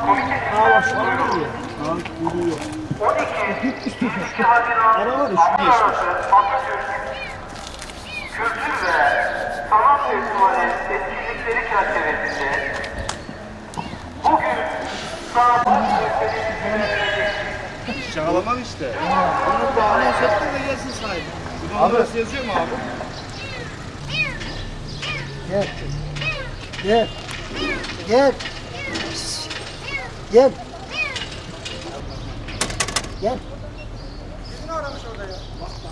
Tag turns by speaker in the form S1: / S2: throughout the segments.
S1: bak şu an geliyor. Geliyor.
S2: 12 Haziran Uluslararası Atatürk Kültür ve Sanat Festivali etkinlikleri çerçevesinde bugün saat 14'te düzenlenecek.
S3: Şahalamak işte.
S1: Onu bağlı hissettin de gelsin sahibi.
S3: Abi nasıl yazıyor mu abi?
S1: Gel. Gel. Gel. Gel. Gel.
S4: Kedini aramış orada ya.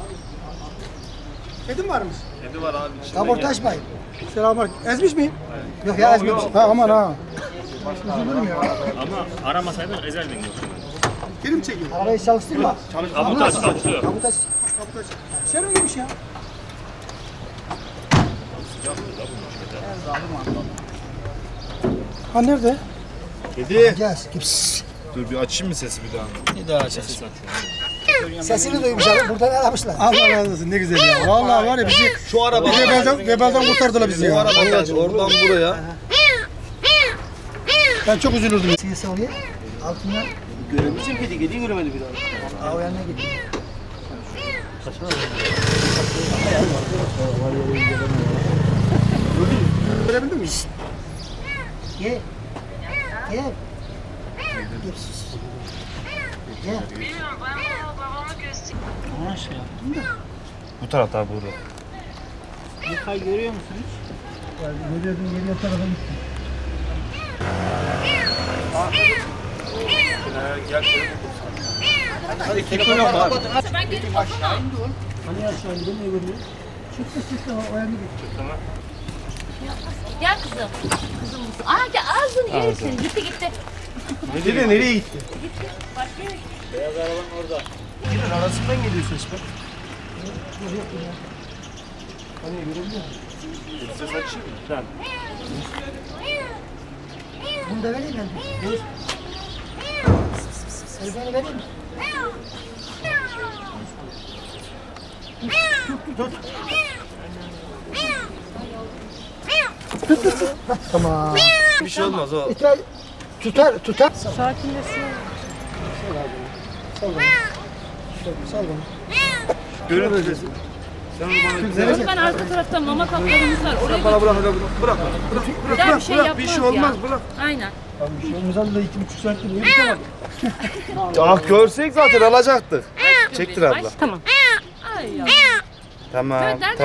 S4: Kedim varmış.
S3: Kedi var abi. içinde
S1: Kaportaj mı?
S4: Selamünaleyküm. Ezmiş miyim?
S1: Yok ya ezmemiş. Ha aman ha.
S4: Üzülürüm ya.
S5: Ama aramasaydın ezerdin yoksa.
S4: Kedim çekiyor.
S1: Arabayı çalıştırma.
S5: Kaputaj çalışıyor.
S1: Kaputaj.
S4: Serum gibiymiş ya. Ha nerede?
S3: Kedi.
S1: Gel. Gips.
S3: Dur bir açayım mı sesi bir daha?
S1: Bir daha açarsın. Sesini duymuş abi. Buradan aramışlar.
S4: Allah razı olsun ne güzel ya. Vallahi var ya bizi
S3: Şu araba.
S4: vebalden kurtardılar bizi ya.
S3: Oradan buraya.
S4: Ben çok üzülürdüm.
S1: Ses oluyor. Altından.
S6: Görebilirsin kediyi göremedi bir daha.
S1: Aa o yanına gidiyor.
S4: Görebildin mi?
S1: Gel. Gel. Gips. Gel.
S7: Bilmiyorum ben babama göstereyim.
S6: Ona şey yaptım da.
S3: Bu tarafta abi burada.
S6: Yıkay görüyor musun hiç?
S1: Görüyordum geliyor tarafa gitti.
S3: Hadi kedi koyalım abi.
S7: Ben gelip bakamam.
S1: Hani aşağı gidiyor ne görüyor? Çıktı o yanına gitti.
S7: Gel kızım. Kızım mısın? Aa gel ağzını yerim seni. Gitti gitti.
S3: Kedi nereye gitti?
S7: Başka yere.
S6: Beyaz arabanın orada.
S3: Kedinin arasından geliyor ses be.
S1: Hani görebiliyor musun?
S3: Ses açayım mı? Sen.
S1: Bunu da vereyim ben. Dur. Telefonu vereyim mi? Tut. Tamam.
S3: Bir şey olmaz o.
S1: İter, tutar.
S7: Sakinleşsin.
S1: Sal bana.
S3: Görüntü sesi. Sen onu bana
S7: Ben arka tarafta mama kaplarımız var. Oraya
S3: bana bırak hadi bırak.
S7: güzel bir şey yapmaz
S3: Bir şey olmaz
S7: ya.
S3: bırak.
S7: Aynen.
S1: Bir şey olmaz da 2,5 saattir uyuyamadım.
S3: Ah görsek zaten alacaktık. Çektir abla.
S7: Tamam. Ay ya.
S3: Tamam.